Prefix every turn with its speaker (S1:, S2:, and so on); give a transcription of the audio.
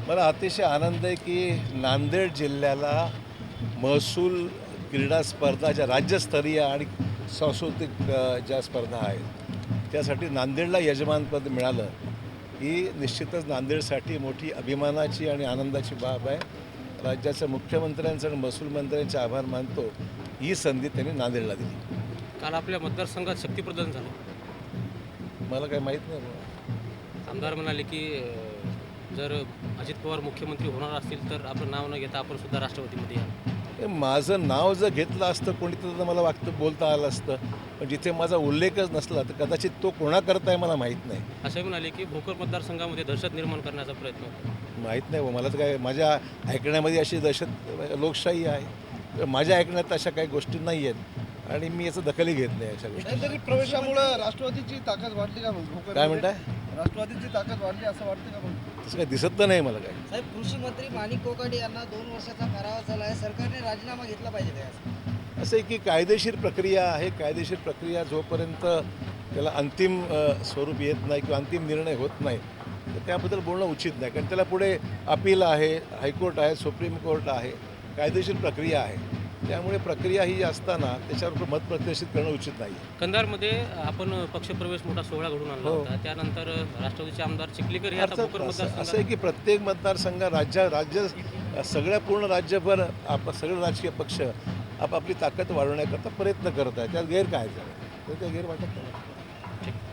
S1: मला अतिशय आनंद आहे की नांदेड जिल्ह्याला महसूल क्रीडा स्पर्धा ज्या राज्यस्तरीय आणि सांस्कृतिक ज्या स्पर्धा आहेत त्यासाठी नांदेडला यजमानपद मिळालं ही निश्चितच नांदेडसाठी मोठी अभिमानाची आणि आनंदाची बाब आहे. राज्याच्या मुख्यमंत्र्यांचं आणि महसूल मंत्र्यांचे आभार मानतो. ही संधी त्यांनी नांदेडला दिली.
S2: काल आपल्या मतदारसंघात शक्तीप्रदान झालं.
S1: मला काही माहीत नाही बाबा.
S2: आमदार म्हणाले की जर अजित पवार मुख्यमंत्री होणार असतील तर आपलं नाव न घेता आपण सुद्धा राष्ट्रवादीमध्ये या.
S1: माझं नाव जर घेतलं असतं कोणी तर मला बोलता आलं असतं, पण जिथे माझा उल्लेखच नसला तर कदाचित तो कोणाकरता आहे मला माहीत नाही.
S2: असंही म्हणाले की भोकर मतदारसंघामध्ये दहशत निर्माण करण्याचा प्रयत्न होता.
S1: माहीत नाही मला तर काय माझ्या ऐकण्यामध्ये अशी दहशत लोकशाही आहे. माझ्या ऐकण्यात अशा काही गोष्टी नाही आहेत आणि मी याचं दखलही घेत नाही अशा गोष्टी.
S3: तरी प्रवेशामुळे राष्ट्रवादीची ताकद वाढली का मग?
S1: काय म्हणताय?
S3: राष्ट्रवादीची ताकद वाढली असं वाटतं का मग?
S1: तसं काही दिसत तर नाही मला काय.
S4: साहेब, कृषी मंत्री माणिक कोकाटे यांना 2 वर्षाचा कारावास झाला आहे. सरकारने राजीनामा घेतला पाहिजे काय?
S1: असं आहे की कायदेशीर प्रक्रिया आहे. कायदेशीर प्रक्रिया जोपर्यंत त्याला अंतिम स्वरूप येत नाही किंवा अंतिम निर्णय होत नाही तर त्याबद्दल बोलणं उचित नाही. कारण त्याला पुढे अपील आहे, हायकोर्ट आहे, सुप्रीम कोर्ट आहे, कायदेशीर प्रक्रिया आहे. त्यामुळे प्रक्रिया ही असताना त्याच्यावर मत प्रदर्शित करणं उचित नाही.
S2: कंधारमध्ये आपण पक्षप्रवेश मोठा सोहळा घडून आणला
S1: हो.
S2: होता. त्यानंतर राष्ट्रवादीचे आमदार चिखलीकर हे आता
S1: अर्थात
S2: भोकर
S1: असं
S2: मतदारसंघात
S1: आहे की प्रत्येक मतदारसंघ राज्य सगळ्या पूर्ण राज्यभर सगळे राजकीय पक्ष आपापली ताकद वाढवण्याकरता प्रयत्न करत आहेत. त्यात गैर काय झालं तर ते गैर वाटत नाही.
S2: ठीक.